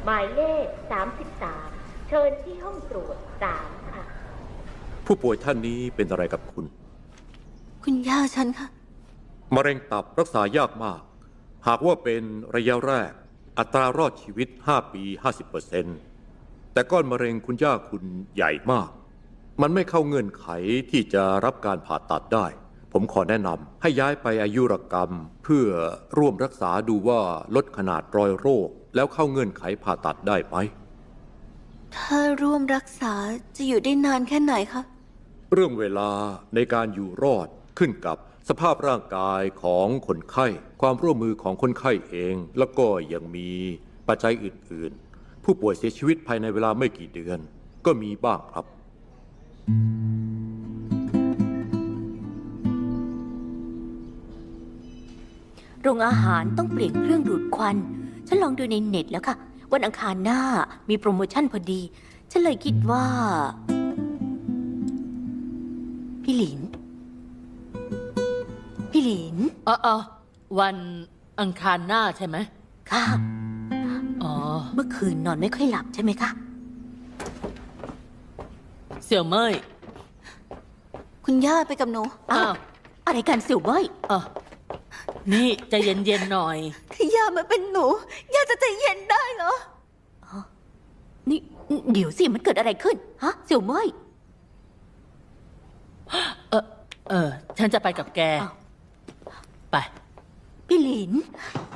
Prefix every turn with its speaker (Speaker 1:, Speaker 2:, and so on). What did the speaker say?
Speaker 1: หมายเลข33เชิญที่ห้องตรวจ3ค่ะ
Speaker 2: ผู้ป่วยท่านนี้เป็นอะไรกับคุณ
Speaker 3: คุณย่าฉันค่ะ
Speaker 2: มะเร็งตับรักษายากมาก หากว่าเป็นระยะแรกอัตรารอดชีวิต5 ปี 50%แต่ก้อนมะเร็งคุณย่าคุณใหญ่มาก มันไม่เข้าเงื่อนไขที่จะรับการผ่าตัดได้ ผมขอแนะนำให้ย้ายไปอายุรกรรม เพื่อร่วมรักษาดูว่าลดขนาดรอยโรคแล้วเข้าเงื่อนไขผ่าตัดได้ไหม
Speaker 3: ถ้าร่วมรักษาจะอยู่ได้นานแค่ไหนคะ
Speaker 2: เรื่องเวลาในการอยู่รอดขึ้นกับสภาพร่างกายของคนไข้ ความร่วมมือของคนไข้เอง แล้วก็ยังมีปัจจัยอื่นๆ ผู้ป่วยเสียชีวิตภายในเวลาไม่กี่เดือน ก็มีบ้างครับ
Speaker 4: โรงอาหารต้องเปลี่ยนเครื่องดูดควัน ฉันลองดูในเน็ตแล้วค่ะ วันอังคารหน้ามีโปรโมชั่นพอดี ฉันเลยคิดว่า พี่หลิน พี่หลิน
Speaker 5: วันอังคารหน้าใช่ไหม
Speaker 4: ค่ะ
Speaker 5: อ๋อ
Speaker 4: เมื่อคืนนอนไม่ค่อยหลับใช่ไหมคะ
Speaker 5: เสี่ยวเมย
Speaker 3: คุณย่าไปกับหนู
Speaker 4: อ้าวอะไรกันเสี่ยวเบ้ย
Speaker 5: นี่ใจเย็นๆหน่อย
Speaker 3: ถ้าย่ามาเป็นหนู ย่าจะใจเย็นได้เหรอ
Speaker 4: นี่เดี๋ยวสิมันเกิดอะไรขึ้น ฮะ เสี่ยวเบ้ย
Speaker 5: ฉันจะไปกับแก
Speaker 4: อ้าว
Speaker 5: ไป
Speaker 4: พี่หลิน